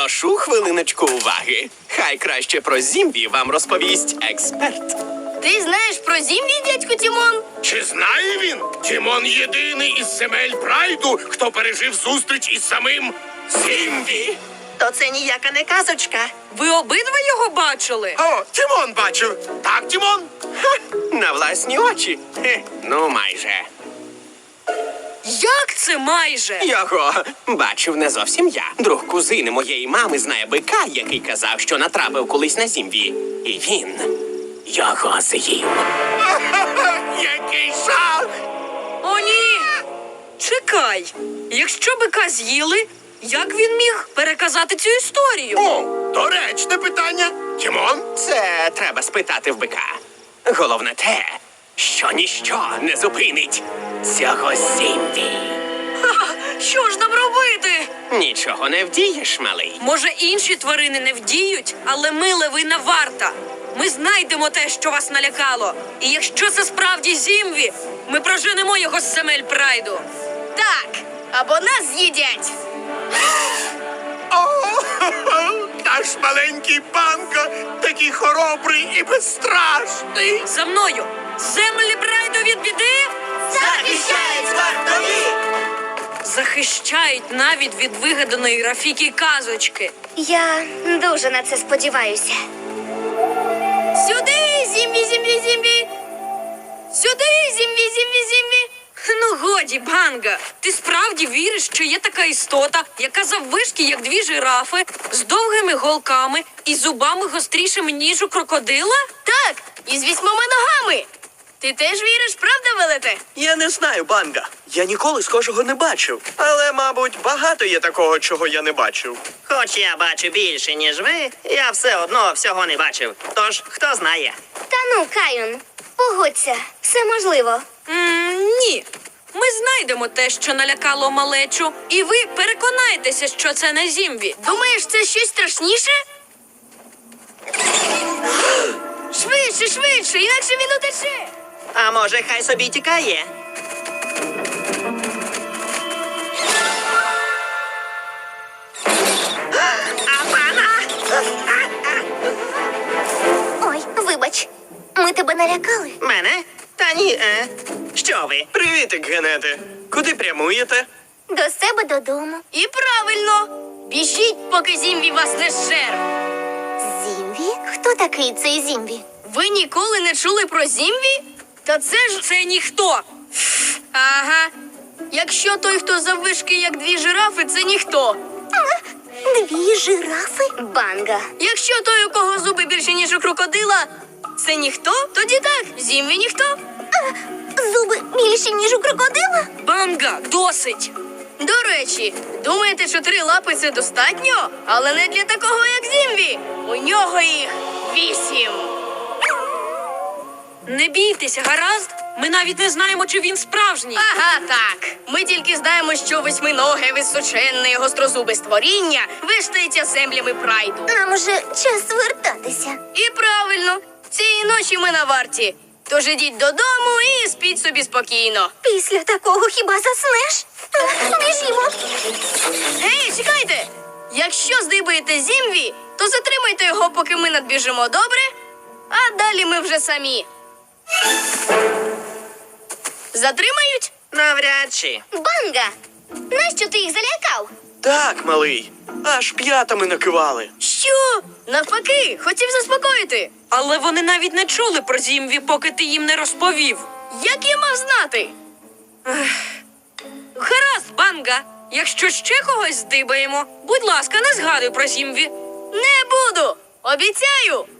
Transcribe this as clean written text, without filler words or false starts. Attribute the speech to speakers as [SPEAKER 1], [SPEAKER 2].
[SPEAKER 1] Прошу хвилиночку уваги. Хай краще про Зімбі вам розповість експерт.
[SPEAKER 2] Ти знаєш про Зімбі, дядьку Тімон?
[SPEAKER 3] Чи знає він? Тімон єдиний із земель Прайду, хто пережив зустріч із самим Зімбі.
[SPEAKER 4] То це ніяка не казочка.
[SPEAKER 5] Ви обидва його бачили?
[SPEAKER 3] О, Тімон бачив. Так, Тімон?
[SPEAKER 1] На власні очі. Хе, ну, майже.
[SPEAKER 5] Як це майже?
[SPEAKER 1] Його бачив не зовсім я. Друг кузини моєї мами знає бика, який казав, що натрапив колись на Зімбі. І він його з'їв.
[SPEAKER 3] Який жах!
[SPEAKER 5] О, ні! Чекай. Якщо бика з'їли, як він міг переказати цю історію?
[SPEAKER 3] О, доречне питання. Тімон?
[SPEAKER 1] Це треба спитати в бика. Головне те, що ніщо не зупинить цього Зімбі.
[SPEAKER 5] Що ж нам робити?
[SPEAKER 1] Нічого не вдієш, малий.
[SPEAKER 5] Може, інші тварини не вдіють, але ми левина варта. Ми знайдемо те, що вас налякало. І якщо це справді Зімбі, ми проженемо його з земель Прайду.
[SPEAKER 2] Так, або нас з'їдять.
[SPEAKER 3] О, наш маленький Банго, такий хоробрий і безстрашний.
[SPEAKER 5] За мною! Землі Прайду від біди!
[SPEAKER 4] Захищають вартові!
[SPEAKER 5] Захищають навіть від вигаданої Рафіки казочки.
[SPEAKER 6] Я дуже на це сподіваюся.
[SPEAKER 2] Сюди, Зімбі, Зімбі, Зімбі. Сюди, Зімбі, Зімбі, Зімбі.
[SPEAKER 5] Ну годі, Банга, ти справді віриш, що є така істота, яка заввишки, як дві жирафи, з довгими голками і зубами гострішими, ніж у крокодила?
[SPEAKER 2] Так, і з 8 ногами. Ти теж віриш, правда, велете?
[SPEAKER 7] Я не знаю, Банга. Я ніколи схожого не бачив. Але, мабуть, багато є такого, чого я не бачив.
[SPEAKER 4] Хоч я бачу більше, ніж ви, я все одно всього не бачив. Тож, хто знає?
[SPEAKER 6] Та ну, Каюн, погодься, все можливо.
[SPEAKER 5] Ні. Ми знайдемо те, що налякало малечу, і ви переконаєтеся, що це не Зімбі.
[SPEAKER 2] Думаєш, це щось страшніше? Швидше, швидше, інакше він утече.
[SPEAKER 4] А може, хай собі тікає?
[SPEAKER 6] Ой, вибач, ми тебе налякали.
[SPEAKER 4] Мене? Та ні, Що ви?
[SPEAKER 7] Привітик, Генети. Куди прямуєте?
[SPEAKER 6] До себе додому.
[SPEAKER 2] І правильно. Біжіть, поки Зімбі вас не зжер.
[SPEAKER 6] Зімбі? Хто такий цей Зімбі?
[SPEAKER 2] Ви ніколи не чули про Зімбі? Та це ж...
[SPEAKER 5] Це ніхто.
[SPEAKER 2] Ага. Якщо той, хто заввишки, як дві жирафи, це ніхто.
[SPEAKER 6] Дві жирафи? Банга.
[SPEAKER 2] Якщо той, у кого зуби більше, ніж у крокодила, це ніхто, тоді так, Зімбі ніхто.
[SPEAKER 6] Зуби більші, ніж у крокодила?
[SPEAKER 5] Банга, досить.
[SPEAKER 2] До речі, думаєте, що 3 лапи це достатньо? Але не для такого, як Зімбі. У нього їх 8.
[SPEAKER 5] Не бійтеся, гаразд? Ми навіть не знаємо, чи він справжній.
[SPEAKER 2] Ага, так. Ми тільки знаємо, що 8-ноге, височенне і гострозубе створіння виштається землями Прайду.
[SPEAKER 6] Нам уже час вертатися.
[SPEAKER 2] І правильно, цієї ночі ми на варті. Тож ідіть додому і спіть собі спокійно.
[SPEAKER 6] Після такого хіба заснеш? Біжімо.
[SPEAKER 2] Гей, чекайте! Якщо здибаєте Зімбі, то затримайте його, поки ми надбіжимо, добре? А далі ми вже самі. Затримають?
[SPEAKER 4] Навряд чи.
[SPEAKER 6] Банга! Нащо ти їх залякав?
[SPEAKER 7] Так, малий. Аж п'ятами накивали.
[SPEAKER 2] Що? Навпаки, хотів заспокоїти.
[SPEAKER 5] Але вони навіть не чули про Зімбі, поки ти їм не розповів.
[SPEAKER 2] Як я мав знати?
[SPEAKER 5] Гаразд, Банга. Якщо ще когось здибаємо, будь ласка, не згадуй про Зімбі.
[SPEAKER 2] Не буду! Обіцяю!